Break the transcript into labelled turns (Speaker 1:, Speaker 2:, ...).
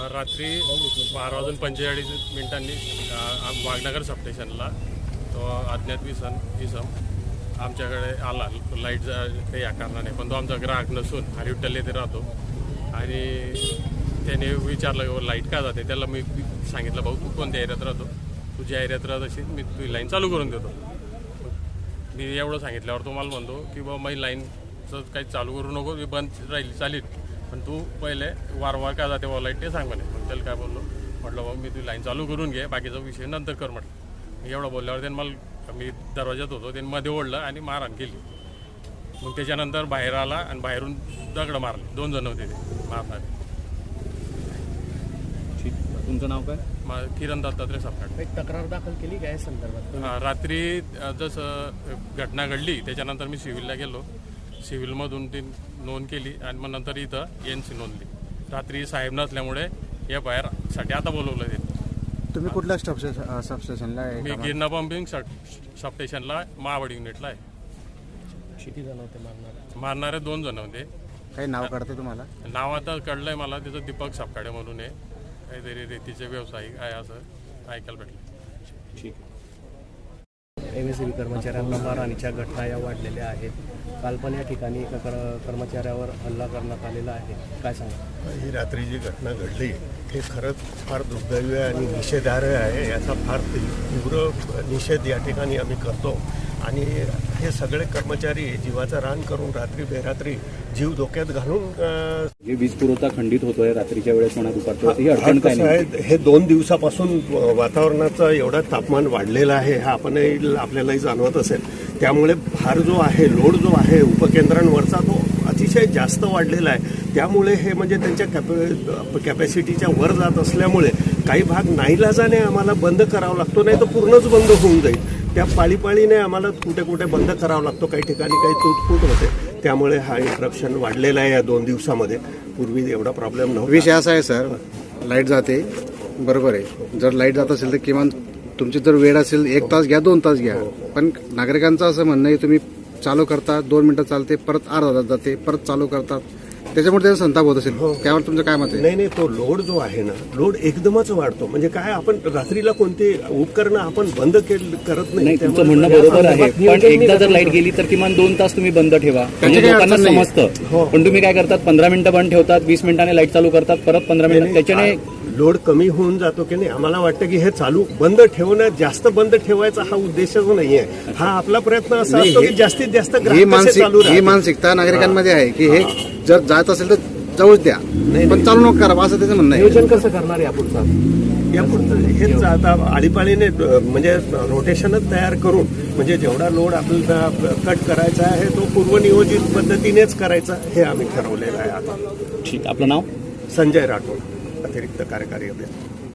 Speaker 1: रात्री 12:45 वाघनगर सबस्टेशनला तो अज्ञात इसम आमच्याकडे आला. लाईट काही या कारणाने, पण तो आमचा ग्राहक नसून हरिविठ्ठल येथे राहतो. आणि त्याने विचारलं लाईट का जाते. त्याला मी सांगितलं, भाऊ तू कोणत्या एरियात राहतो, तू ज्या एरियात राहत असेल मी तुझी लाईन चालू करून देतो. मी एवढं सांगितल्यावर तो मला म्हणतो की बाबा माझी लाईनचं काही चालू करू नको, मी बंद राहील चालेल, पण तू पहिले वारंवार का जाते बाबा लाईट ते सांग म्हणे. मग त्याला काय बोललो, म्हटलं बाबा मी तुझी लाईन चालू करून घे, बाकीचा विषय नंतर कर म्हटलं. मी एवढं बोलल्यावर त्यानं मला, मी दरवाज्यात होतो, त्यांनी मध्ये ओढलं आणि मारहाण केली. मग त्याच्यानंतर बाहेर आला आणि बाहेरून दगड मारले. 2 जण होते ते मारणारे.
Speaker 2: तुमचं नाव काय?
Speaker 1: किरण दत्तात्रय सपकाळ.
Speaker 3: एक तक्रार दाखल केली काय संदर्भात?
Speaker 1: रात्री जसं घटना घडली त्याच्यानंतर मी सिव्हिलला गेलो. सिव्हिलमधून ती नोंद केली आणि मग नंतर इथं NC नोंदली. रात्री साहेब नसल्यामुळे FIR साठी आता बोलवलं ते.
Speaker 4: तुम्ही कुठल्या सबस्टेशनला आहे?
Speaker 1: मी गिरणा पंपिंग सबस्टेशनला महावड युनिटला आहे.
Speaker 3: किती जण होते
Speaker 1: मारणारे 2 जण होते.
Speaker 4: काही नाव कळतं तुम्हाला?
Speaker 1: नाव आता कळलंय मला, त्याचं दीपक सपकाळे म्हणून आहे. काहीतरी रेतीचे व्यावसायिक आहे असं ऐकायला भेटलं.
Speaker 2: ठीक.
Speaker 3: MSEB कर्मचाऱ्यांना मारहाणीच्या घटना या वाढलेल्या आहेत. काल पण या ठिकाणी एका कर्मचाऱ्यावर हल्ला करण्यात आलेला आहे. काय सांगा?
Speaker 5: ही रात्री जी घटना घडली हे खरंच फार दुर्दैवी आणि निषेधार्ह आहे. याचा फार तीव्र निषेध या ठिकाणी आम्ही करतो. आणि हे सगळे कर्मचारी जीवाचं रान करून रात्री बेरात्री जीव धोक्यात घालून
Speaker 2: वीज पुरवठा खंडित होतोय रात्रीच्या वेळेस म्हणा दुपारच्या.
Speaker 5: कसं आहे, हे 2 दिवसापासून वातावरणाचं एवढं तापमान वाढलेलं आहे, हा आपल्यालाही जाणवत असेल. त्यामुळे भार जो आहे, लोड जो आहे उपकेंद्रांवरचा तो अतिशय जास्त वाढलेला आहे. त्यामुळे हे म्हणजे त्यांच्या कॅपॅसिटीच्या वर जात असल्यामुळे काही भाग नाईलाजाने आम्हाला बंद करावा लागतो, नाही तर पूर्णच बंद होऊन जाईल. त्या पाळीपाळीने आम्हाला कुठे कुठे बंद करावा लागतो. काही ठिकाणी काही तुटफूट होते. त्यामुळे हा इंटरप्शन वाढलेला आहे या 2 दिवसामध्ये. पूर्वी एवढा प्रॉब्लेम नव्हता.
Speaker 4: विषय असा आहे सर, लाईट जाते बरोबर आहे. जर लाईट जात असेल तर किमान तुमची जर वेळ असेल 1 तास घ्या, 2 तास घ्या. पण नागरिकांचं असं म्हणणं आहे तुम्ही चालू करता, 2 मिनिटं चालते, परत अर्धा तास जाते, परत चालू करतात, त्याच्यामुळे त्याचा संताप होत असेल. त्यावर तुमचं काय मत आहे?
Speaker 5: नाही, तो लोड जो आहे ना, लोड एकदमच वाढतो. म्हणजे काय, आपण रात्रीला कोणती उपकरणं आपण बंद करत नाही.
Speaker 2: तुमचं म्हणणं बरोबर आहे, पण एकदा जर लाईट गेली तर किमान 2 तास तुम्ही बंद ठेवा, म्हणजे लोकांना समजतं. पण तुम्ही काय करतात, 15 मिनिटं बंद ठेवतात, 20 मिनिटांनी लाईट चालू करतात, परत 15 मिनिटं, त्याच्याने
Speaker 5: लोड कमी होऊन जातो की नाही. आम्हाला वाटतं की हे चालू बंद ठेवणं, जास्त बंद ठेवायचा हा उद्देशच नाहीये. हा आपला प्रयत्न असा असतो की जास्तीत जास्त
Speaker 4: ही मानसिकता नागरिकांमध्ये आहे की हे जर जात असेल तर जाऊच द्या, पण चालू नको करा, असं त्याचं म्हणणं आहे.
Speaker 3: नियोजन कसं करणार यापुढचं?
Speaker 5: हेच आता आळीपाळीने म्हणजे रोटेशनच तयार करून, म्हणजे जेवढा लोड आपल्याला कट करायचा आहे तो पूर्वनियोजित पद्धतीनेच करायचा, हे आम्ही ठरवलेलं आहे आता.
Speaker 2: ठीक. आपलं नाव?
Speaker 5: संजय राठोड, अतिरिक्त कार्यकारी अभियंता.